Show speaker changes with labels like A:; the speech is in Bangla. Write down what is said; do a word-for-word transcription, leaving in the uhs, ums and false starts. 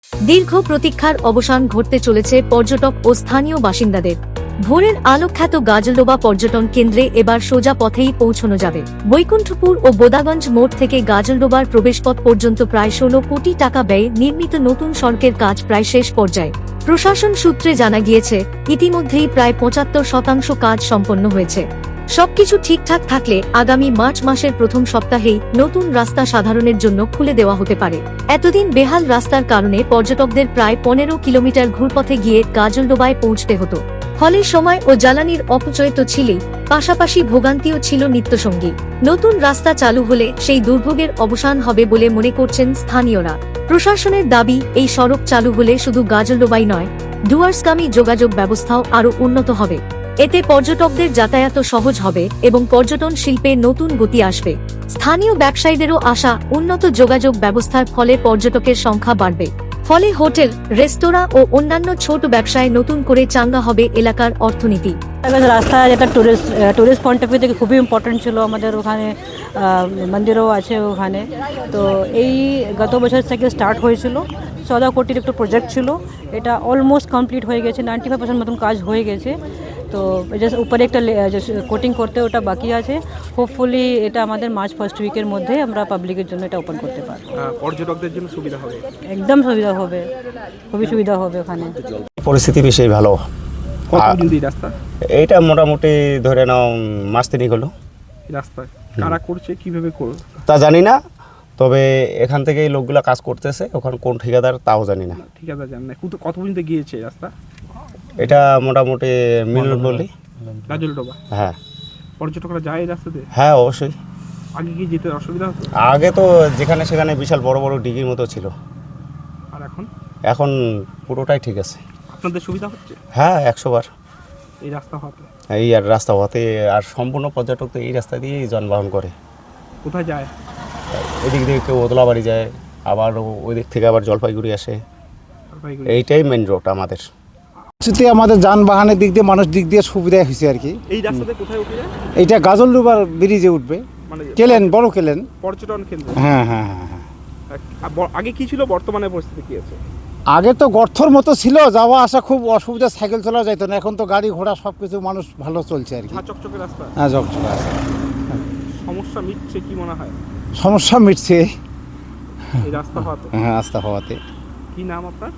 A: দীর্ঘ প্রতীক্ষার অবসান ঘটতে চলেছে পর্যটক ও স্থানীয় বাসিন্দাদের। ভোরের আলোখ্যাত গাজলডোবা পর্যটন কেন্দ্রে এবার সোজা পথেই পৌঁছানো যাবে। বৈকুণ্ঠপুর ও বোদাগঞ্জ মোড় থেকে গাজলডোবার প্রবেশপথ পর্যন্ত প্রায় ষোলো কোটি টাকা ব্যয়ে নির্মিত নতুন সড়কের কাজ প্রায় শেষ পর্যায়ে। প্রশাসন সূত্রে জানা গিয়েছে, ইতিমধ্যেই প্রায় পঁচাত্তর শতাংশ কাজ সম্পন্ন হয়েছে। সবকিছু ঠিকঠাক থাকলে আগামী মার্চ মাসের প্রথম সপ্তাহেই নতুন রাস্তা সাধারণের জন্য খুলে দেওয়া হতে পারে। এতদিন বেহাল রাস্তার কারণে পর্যটকদের প্রায় পনেরো কিলোমিটার ঘুরপথে গিয়ে গাজলডোবায় পৌঁছতে হতো। ফলে সময় ও জ্বালানির অপচয় তো ছিলই, পাশাপাশি ভোগান্তিও ছিল নিত্যসঙ্গী। নতুন রাস্তা চালু হলে সেই দুর্ভোগের অবসান হবে বলে মনে করছেন স্থানীয়রা। প্রশাসনের দাবি, এই সড়ক চালু হলে শুধু গাজলডোবাই নয়, ডুয়ার্সগামী যোগাযোগ ব্যবস্থাও আরও উন্নত হবে। এতে পর্যটকদের যাতায়াত সহজ হবে এবং পর্যটন শিল্পে নতুন গতি আসবে। স্থানীয় ব্যবসায়ীদেরও আশা, উন্নত যোগাযোগ ব্যবস্থার ফলে পর্যটকের সংখ্যা বাড়বে। ফলে হোটেল, রেস্তোরাঁ ও অন্যান্য ছোট ব্যবসায় নতুন করে চাঙ্গা হবে এলাকার অর্থনীতি।
B: রাস্তা যেটা tourist tourist point of view থেকে খুবই ইম্পর্টেন্ট ছিল। আমাদের ওখানে মন্দিরও আছে ওখানে। তো এই গত বছর থেকে স্টার্ট হয়েছিল, চৌদা কোটির একটু প্রজেক্ট ছিল। এটা অলমোস্ট কমপ্লিট হয়ে গেছে, নাইনটি ফাইভ পার্সেন্ট মতন কাজ হয়ে গেছে। তো উপরে একটা কোটিং করতে ওটা বাকি আছে। হোপফুলি এটা আমাদের মার্চ ফার্স্ট উইকের মধ্যে আমরা পাবলিকের জন্য এটা ওপেন করতে পারবো।
C: পর্যটকদের জন্য সুবিধা হবে,
B: একদম সুবিধা হবে, খুবই সুবিধা হবে ওখানে।
D: পরিস্থিতি বেশি ভালো।
C: কতদিন এই রাস্তা?
D: এইটা মোটামুটি ধরে নাও মাস তিনিক হলো।
C: রাস্তা কারা করছে, কিভাবে করবে
D: তা জানি না, তবে এখান থেকে এই লোকগুলা কাজ করতেছে, ওখানে কোন ঠিকাদার তাও জানি না।
C: ঠিকাদার জানি না। কত কত পর্যন্ত গিয়েছে রাস্তা?
D: এটা মোটামুটি মিলন বলি
C: গাজলডোবা।
D: হ্যাঁ।
C: পর্যটকরা যায় এই রাস্তাতে?
D: হ্যাঁ অবশ্যই।
C: আগে কি যেতে অসুবিধা হতো?
D: আগে তো যেখানে সেখানে বিশাল বড় বড় ডিগির মতো ছিল,
C: আর এখন
D: এখন পুরোটাই ঠিক আছে।
C: আপনাদের সুবিধা হচ্ছে
D: হ্যাঁ একশো বার
C: এই রাস্তা হতে?
D: এই আর রাস্তা হতে, আর সম্পূর্ণ পর্যটক তো এই রাস্তা দিয়েই যানবাহন করে।
C: কোথায় যায়?
D: এদিক থেকে কেউ ওদলাবাড়ি যায়, আবার ওই দিক থেকে আবার জলপাইগুড়ি আসে।
C: জলপাইগুড়ি।
D: এইটাই মেন রোড আমাদের।
E: যদি আমাদের যানবাহনের দিক দিয়ে, মানুষ দিক দিয়ে সুবিধা হয়েছে আর কি।
C: এই রাস্তাতে কোথায় উঠে যায়?
E: এইটা গাজলডোবার ব্রিজে উঠবে,
C: মানে
E: কেলেন, বড় কেলেন।
C: পর্যটন কেন্দ্র।
E: হ্যাঁ হ্যাঁ হ্যাঁ হ্যাঁ।
C: আগে কি ছিল, বর্তমানে পরিস্থিতি কি আছে?
E: আগে তো গর্থর মতো ছিল, যাওয়া আসা খুব অসুবিধা, সাইকেল চলা যেত না। এখন তো গাড়ি ঘোড়া সব কিছু মানুষ ভালো চলছে আর কি।
C: হ্যাঁ, চকচকে রাস্তা।
E: হ্যাঁ চকচকে রাস্তা।
C: সমস্যা মিটছে কি মনে হয়?
E: সমস্যা মিটছে
C: এই রাস্তা হওয়াতে।
E: হ্যাঁ রাস্তা হওয়াতে।
C: কি নাম আপনার?